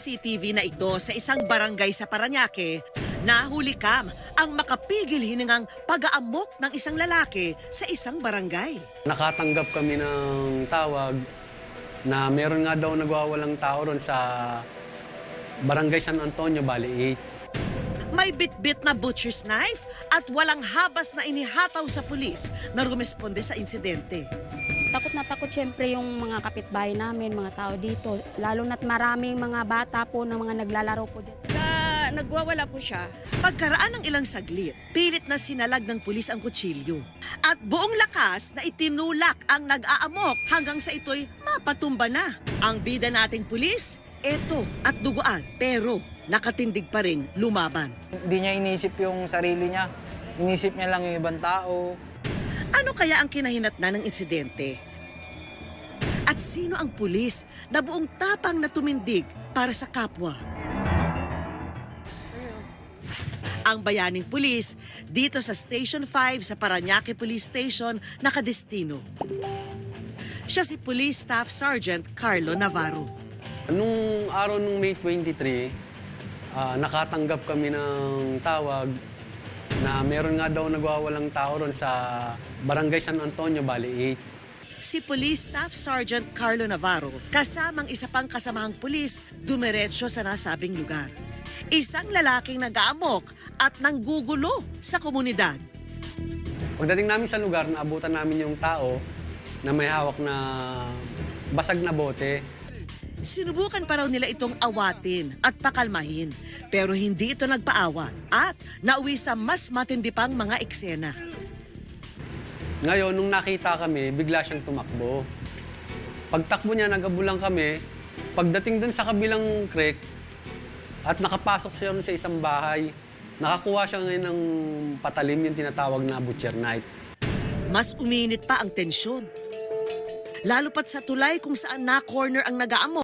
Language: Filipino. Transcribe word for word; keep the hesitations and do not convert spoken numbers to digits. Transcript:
C C T V na ito sa isang barangay sa Parañaque, nahuli kam ang makapigil hiningang pag-aamok ng isang lalaki sa isang barangay. Nakatanggap kami ng tawag na meron nga daw nagwawalang tao ron sa Barangay San Antonio, Bali eight. May bitbit na butcher's knife at walang habas na inihataw sa pulis na rumesponde sa insidente. Takot na takot siyempre yung mga kapitbahay namin, mga tao dito. Lalo na't maraming mga bata po na mga naglalaro po dyan. Na nagwawala po siya. Pagkaraan ng ilang saglit, pilit na sinalag ng pulis ang kutsilyo. At buong lakas na itinulak ang nag-aamok hanggang sa ito'y mapatumba na. Ang bida nating pulis, eto at duguan. Pero nakatindig pa rin lumaban. Hindi niya inisip yung sarili niya. Inisip niya lang yung ibang tao. Ano kaya ang kinahinatnan ng insidente? At sino ang pulis na buong tapang na tumindig para sa kapwa? Ang bayaning pulis dito sa Station five sa Parañaque Police Station nakadestino. Siya si Police Staff Sergeant Carlo Navarro. Nung araw nung May twenty-three, ah, nakatanggap kami ng tawag na meron nga daw nagwawalang tao ron sa Barangay San Antonio, Bali eight. Si Police Staff Sergeant Carlo Navarro, kasamang isa pang kasamahang pulis, dumiretso sa nasabing lugar. Isang lalaking nag-aamok at nanggugulo sa komunidad. Pagdating namin sa lugar, naabutan namin yung tao na may hawak na basag na bote. Sinubukan pa raw nila itong awatin at pakalmahin, pero hindi ito nagpaawat at nauwi sa mas matindi pang mga eksena. Ngayon, nung nakita kami, bigla siyang tumakbo. Pagtakbo niya, nagabulang kami. Pagdating dun sa kabilang creek, at nakapasok siya sa isang bahay, nakakuha siya ngayon ng patalim, yung tinatawag na butcher knife. Mas uminit pa ang tensyon. Lalo pat sa tulay kung saan na-corner ang nag-aamok.